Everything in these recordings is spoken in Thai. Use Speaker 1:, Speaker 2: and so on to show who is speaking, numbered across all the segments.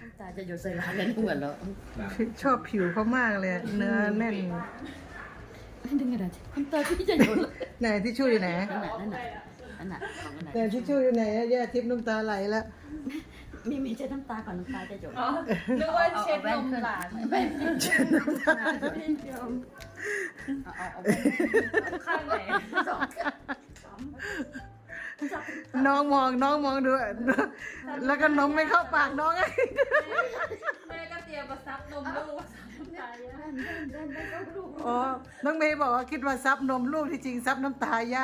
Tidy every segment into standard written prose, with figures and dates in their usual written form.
Speaker 1: น้ำตาจะหยดใส่ร้านกันเหมือนแล้ว
Speaker 2: ชอบผิวเขามากเลยเนื้อแน่น
Speaker 1: ไม่ดึงกระดาษน้ำตาพี่จะหยดเลย
Speaker 2: ไหนที่ช่วยอยู่ไหน
Speaker 1: นั่นน่ะของกระดาษ
Speaker 2: ไหนที่ช่วยอยู่ไหนแย่ทิพย์น้ำตาไหลแล้ว
Speaker 1: มีเช็ดน้ำตาก่อนน้ำตาจะหยด
Speaker 3: นึกว่าเช็ดนมหลาน
Speaker 1: แว่นเช็ดน้ำตาไม่ยอมเอาแว่น
Speaker 3: ข้างไหน
Speaker 1: สองข้าง
Speaker 2: น้องมองดูแล้วก็นมไม่เข้าปากน้องไง
Speaker 3: แม่ก็เตรียมมาซับนมลูกซับน้ำตาย่า
Speaker 2: อ๋อน้องเมย์บอกว่าคิดว่าซับนมลูกที่จริงซับน้ำตาย่า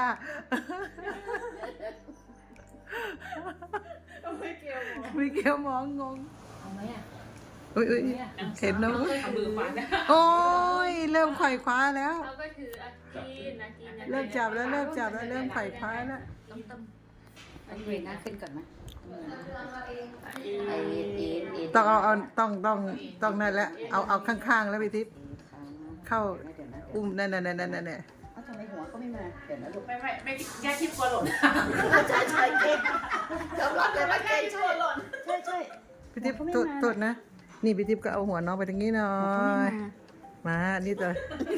Speaker 3: ไม่เกี่ยว
Speaker 2: มีเกี่ยวมองงง
Speaker 3: เอาไหมอ่ะ
Speaker 2: อุ้ยเห็นนะ
Speaker 3: เอามือปัด
Speaker 2: โอ้ยเริ่มไขว่คว้าแล้ว
Speaker 3: เขาก็คืออากิน
Speaker 2: เริ่มจับแล้วเริ่มไขว่คว้าแล้ว
Speaker 1: ต้องต้มอันนี้เวทหน้าขึ้นก่อนไหมไอเอ
Speaker 2: ต้องนั่นแหละเอาข้างๆแล้วพี่ทิพย์เข้าอุ้มนั่น
Speaker 1: เอาทำไมหัวก็ไม่มาเดี๋ยวนะลูก
Speaker 3: ไม่แย่ทิพย์กลัวหล่น
Speaker 1: ใช่เก่งยอมรับเลยว่าเก่ง
Speaker 3: กลัวหล่น
Speaker 1: ใช่
Speaker 2: พี่ทิพย์ตดนะนี่พี่ทิพย์ก็เอาหัวน้องไปทางนี้หน่อยมานี่ตัว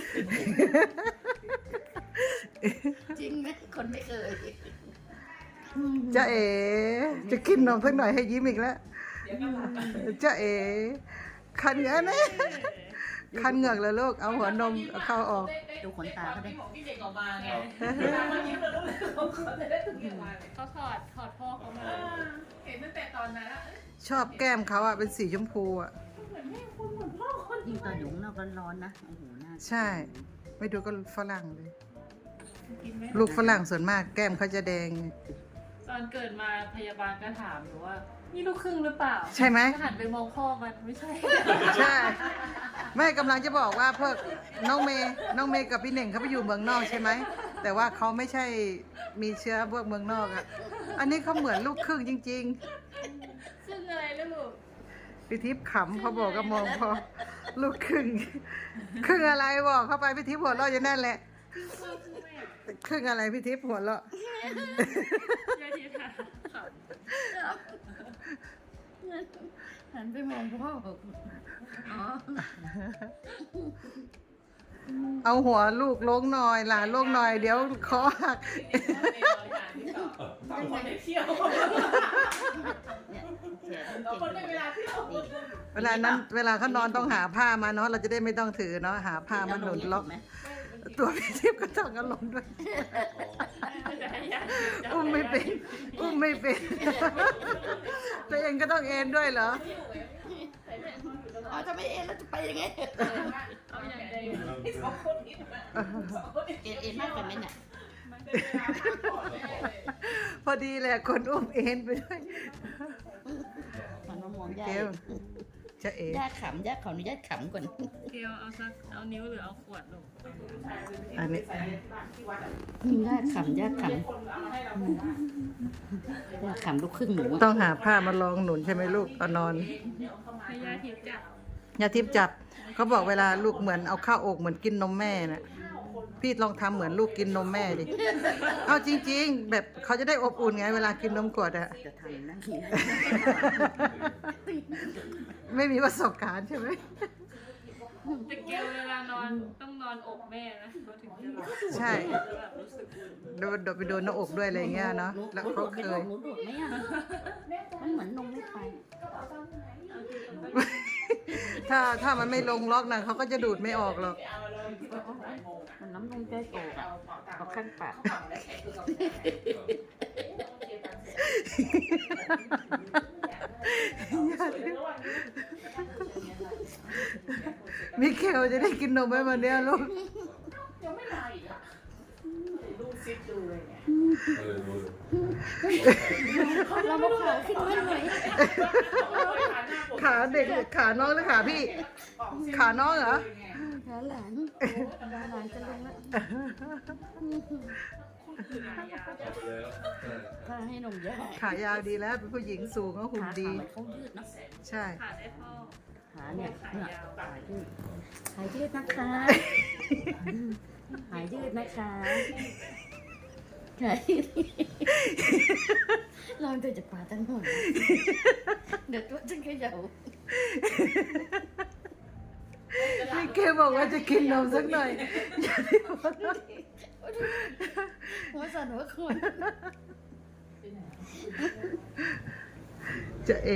Speaker 1: จริงไหมคนไม่เคย
Speaker 2: จ้าเอ๋จะกินนมสักหน่อยให้ยิ้มอีกแล้วจ้าเอ๋คันเหงือกนะคันเหงือกเลยลูกเอาหัวนมเข้าออก
Speaker 1: ดูขนตาเขาได้
Speaker 3: ของพี่เด็กออกมาไงเมื่อกี้เราต้องเขาจะได้ถึงออกมาเขาถอดพ่อเขามาเห็นตั้งแต่ตอนนั้น
Speaker 2: ชอบแก้มเขาอะเป็นสีชมพูอะ
Speaker 3: เหมือนแม่คนเหมือนพ่อคน
Speaker 1: ยิ่งตอนอยู่ข้างนอกร้อนๆนะโอ้โหหน้า
Speaker 2: ใช่ ไม่ดูก็ฝรั่งเลย ลูกฝรั่งส่วนมากแก้มเขาจะแดง
Speaker 3: ตอนเกิดมาพยาบาลก็ถามหนูว่านี่ลูกครึ่งหรือเปล่า
Speaker 2: ใช่ไหม
Speaker 3: ก็หันไปมองพ่อมันไม่ใช่
Speaker 2: ใช่แม่กำลังจะบอกว่าพวกน้องเมย์กับพี่เน่งเขาไปอยู่เมืองนอกใช่ไหมแต่ว่าเขาไม่ใช่มีเชื้อพวกเมืองนอกอะอันนี้เขาเหมือนลูกครึ่งจริง
Speaker 3: ซึ่งอะไรลูก
Speaker 2: ๆพี่ทิพย์ขำเขาบอกก็มองพอลูกครึ่งครึ่งอะไรบอกเข้าไปพี่ทิพย์หัวเราะอยู่นั่นแหละครึ่งอะไรพี่ทิพย์หัวเราะ
Speaker 3: ยายทีถามค่ะ
Speaker 1: หันไปมองพ่ออ๋อ
Speaker 2: เอาหัวลูกลงหน่อยหลานลงหน่อยเดี๋ยวคอหัก
Speaker 3: สองคนได้เที่ยว
Speaker 1: เนี่ยเสีย
Speaker 3: สองคนได้เวลาเที่ยว
Speaker 1: นี่
Speaker 2: เวลาเขานอนต้องหาผ้ามาเนาะเราจะได้ไม่ต้องถือเนาะหาผ้ามาหนุนล็อก
Speaker 1: ไหม
Speaker 2: ตัวพี่ทิพย์ก็ต้องเอาลงด้วยอุ้มไม่เป็นตัวเองก็ต้องเอนด้วยเหรอ
Speaker 1: อ๋อถ้าไม่เอ็นแล้วจะไปยังไง
Speaker 3: เอาอย่างใดสองคนนี้
Speaker 1: เอ็นมากกว่าไหมเนี่ย
Speaker 3: มันเป็นเวลาพักผ่อนแน่เลย
Speaker 2: พอดีแหละคนอุ้มเอนไปด้วย
Speaker 1: มันมามองยา
Speaker 2: เกลจะเอ๋
Speaker 1: ญาติขำญาติขออนุญาตขำก่อน
Speaker 3: เกียวเอานิ้วหรือเอาขวดลูก
Speaker 2: อันนี้
Speaker 1: ญาติขำญาติขำลูกครึ่งหนู
Speaker 2: ต้องหาผ้ามารองหนุนใช่ไหมลูกเอานอน
Speaker 3: ให้ยาทิพย์จับ
Speaker 2: ยาทิพย์จับเขาบอกเวลาลูกเหมือนเอาข้าวอกเหมือนกินนมแม่น่ะพี่ลองทำเหมือนลูกกินนมแม่ดิเอาจริงๆ แบบเขาจะได้อบอุ่นไงเวลากินนมกดอะ
Speaker 1: จะทำนั่งกิน
Speaker 2: ไม่มีประสบการณ์ใช่ไหม
Speaker 3: แต่เกียวเวลานอนต้องนอนอกแม่นะเขาถึงจะหลับ
Speaker 2: ใช่
Speaker 3: แบบรู้สึกอุ่น
Speaker 2: โดนไปโดนหน้าอกด้วยอะไรเงี้ยเนาะแล้วเขาเคย
Speaker 1: หนูดูดไหมอ่ะมันเหมือนนมไม่ไป
Speaker 2: ถ้ามันไม่ลงล็อกนะเขาก็จะดูดไม่ออกหรอก
Speaker 1: มันน้ำนมใกล้โตอ่ะเอาข้างปาก
Speaker 2: มิเคลจะได้กินนมไหมวันเนี้ยลูก
Speaker 3: ยังไม่มาอีกอ่ะดูซิปดูเลยเนี่ย
Speaker 1: เราบอกขาขึ้นมาหน่อย
Speaker 2: ขาเด็กขาน้องหรือขาพี่ ขาน้องเหรอ
Speaker 1: ขาหลานจะลงแล้วถ้าให้นมยา
Speaker 2: ขายาวดีแล้วเป็นผู้หญิงสูงก็หุ่นดี
Speaker 1: เขายืดเนาะ
Speaker 2: ใช่
Speaker 3: ขาได้พ่อ
Speaker 1: ขาเนี่ยหายยืดนะคะหายยืดนะคะไงลองตัวจากป่าตั้งหมดเดี๋ยวตัวฉันขยับ
Speaker 2: พี่เกบอกว่าจะกินนมสักหน่อยอย่าได้บอกนะ
Speaker 1: หัวสั่นหัวคน
Speaker 2: จะเอ๋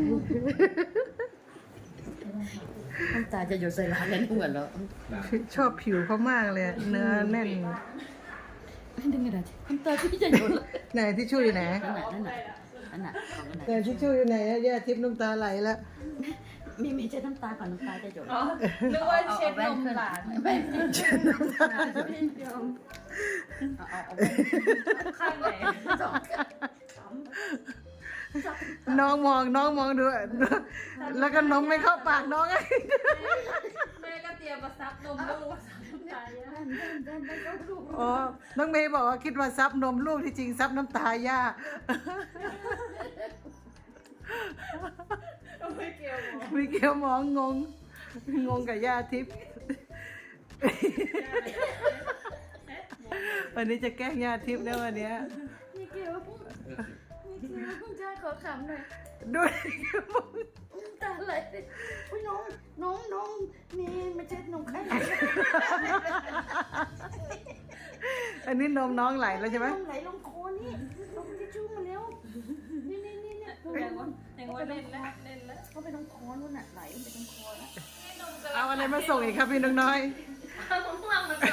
Speaker 1: น้ำตาจะหยดใส่ร้านแล้วเหมือนเรา
Speaker 2: ชอบผิวเขามากเลยอะเนื้อแน่น
Speaker 1: ไม่ดึงกระดาษน้ำตาที่จะหยดเลย
Speaker 2: ไหนที่ช่วยอยู่ไหน
Speaker 1: นั่นน่ะของอันไหน
Speaker 2: แต่ที่ช่วยอยู่ไหนอะย่าทิพย์น้ำตาไหลแล้ว
Speaker 1: มีเช็ดน้ำตาก่อนน้ำตาจะหยด
Speaker 3: อ๋อนึกว่าเช็ดนมหลาน
Speaker 1: ไม่เช็ดน้ำตาไม่ยอมเอา
Speaker 3: ข้างไหน
Speaker 1: สองข้าง
Speaker 2: น้องมองดูแล้วก็นมไม่เข้าปากน้องไง
Speaker 3: แม่ก็เตรียมมาซับนมลูกมาซับน้ำตาย่า
Speaker 2: อ๋อน้องเมย์บอกว่าคิดว่าซับนมลูกที่จริงซับน้ำตาย่า
Speaker 3: ไม่เกี่ยวหรอ
Speaker 2: มีเกียวมองงงกับย่าทิพย์วันนี้จะแกล้งย่าทิพย์นะวันเนี้ย
Speaker 1: มีเกลียวจ้าขอขำหน่อย
Speaker 2: ด้วย
Speaker 1: ตาไหลเลยอุ้ยน้องมีไม่เช็ดนมใคร
Speaker 2: อันนี้นมน้องไหลแล้วใช่ไหม
Speaker 1: นมไหลลงคอนี่ลงทิชชู่มาเร็วนี่
Speaker 3: ยังว่าเล่นแล้วเล่นแล้ว
Speaker 1: เขาไปตรงคอนู่นน่ะไหลไปตรงคอนะ
Speaker 2: เอาอะไรมาส่งอีกครับพี่น้องน้อย
Speaker 3: เอามะม่วงมาก่อน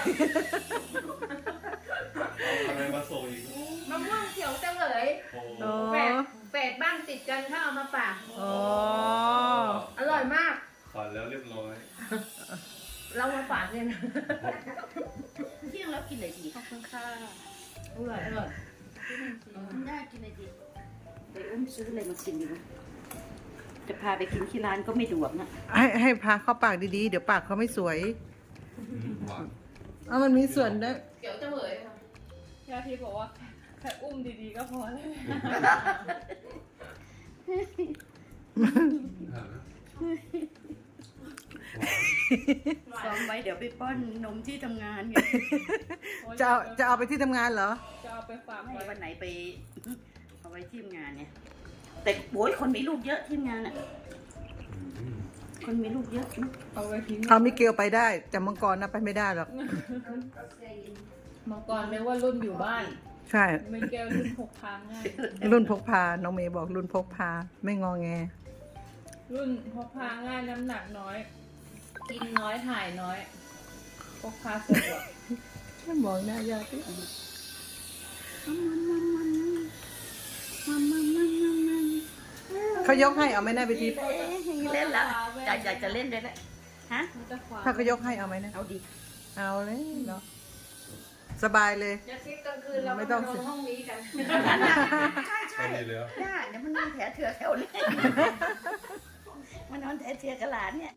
Speaker 4: อะไรมาส่งอีก
Speaker 5: มะม่วงเขียวเฉลย
Speaker 4: โอ้
Speaker 2: อ๋อ
Speaker 5: แฝดบ้านติดกันถ้าเอามาฝาก
Speaker 2: อ๋อ
Speaker 5: อร่อยมาก
Speaker 4: ฝันแล้วเรียบร้อย
Speaker 5: เรามาฝากเนี่ยนะ
Speaker 1: เที่ยงแล้วกินอะไรดี
Speaker 3: ขอบคุณค่ะ
Speaker 5: อร่อยอร่อย
Speaker 1: ย่ากินอะไรดีไปอุ้มซื้ออะไรมากินดีวะจะพาไปกินที่ร้านก็ไม่ดวกนะ
Speaker 2: ให้พาเข้าปากดีๆ เดี๋ยวปากเขาไม่สวย
Speaker 4: หวาน
Speaker 2: เอามันมีส่วนด้วย
Speaker 5: เขียวเฉลยค่ะ
Speaker 3: ยาทีบอกว่าแค่อุ้มดีๆก็พอแล้ว
Speaker 1: ซ้อมไว้เดี๋ยวไปป้อนนมที่ทำงานไง
Speaker 2: จะเอาไปที่ทำงานเหรอ
Speaker 3: จะเอาไปฝาก
Speaker 1: ให้
Speaker 3: ไว้
Speaker 1: วันไหนไปเอาไว้ที่ทำงานเนี่ย แต่โอ้ยคนมีลูกเยอะที่ทำงานอ่ะ คนมีลูกเยอะนะ
Speaker 3: เอาไว้ทิ้ง
Speaker 2: เอามิเกลไปได้แต่มังกรนะไปไม่ได้หรอก
Speaker 3: มังกรนึกว่ารุ่นอยู่บ้าน
Speaker 2: ใช่
Speaker 3: ไม่แก้วรุ่นพกพาง่าย
Speaker 2: รุ่นพกพา น้องเมย์บอกรุ่นพกพา ไม่งอแง
Speaker 3: รุ่นพกพาง่ายน้ำหนักน้อย กินน้อยถ่ายน้อยพกพาสะดวก
Speaker 2: ไม่มองหน้ายาที่ เขายกให้เอาไหมนะไปที
Speaker 1: เล่นแล้วอยากจะเล่นด้วยแหละฮะ
Speaker 3: มันจะขวา
Speaker 2: ถ้าเขายกให้เอาไหมนะ
Speaker 1: เอาดิ
Speaker 2: เอาเลยเนาะสบายเลย
Speaker 5: เดี๋ยวซิกกลางคืนเรา
Speaker 2: ไม่
Speaker 5: ไม่
Speaker 2: ต้
Speaker 5: ต้
Speaker 2: อ
Speaker 5: อง งนอนห้องนี้กัน
Speaker 1: ใช่
Speaker 4: พอดีเลยเหรอ
Speaker 1: ย่าเดี๋ยวมันนอนแถวเถื่อแถวนี้ มันนอนแถวเถื่อกับหลานเนี่ย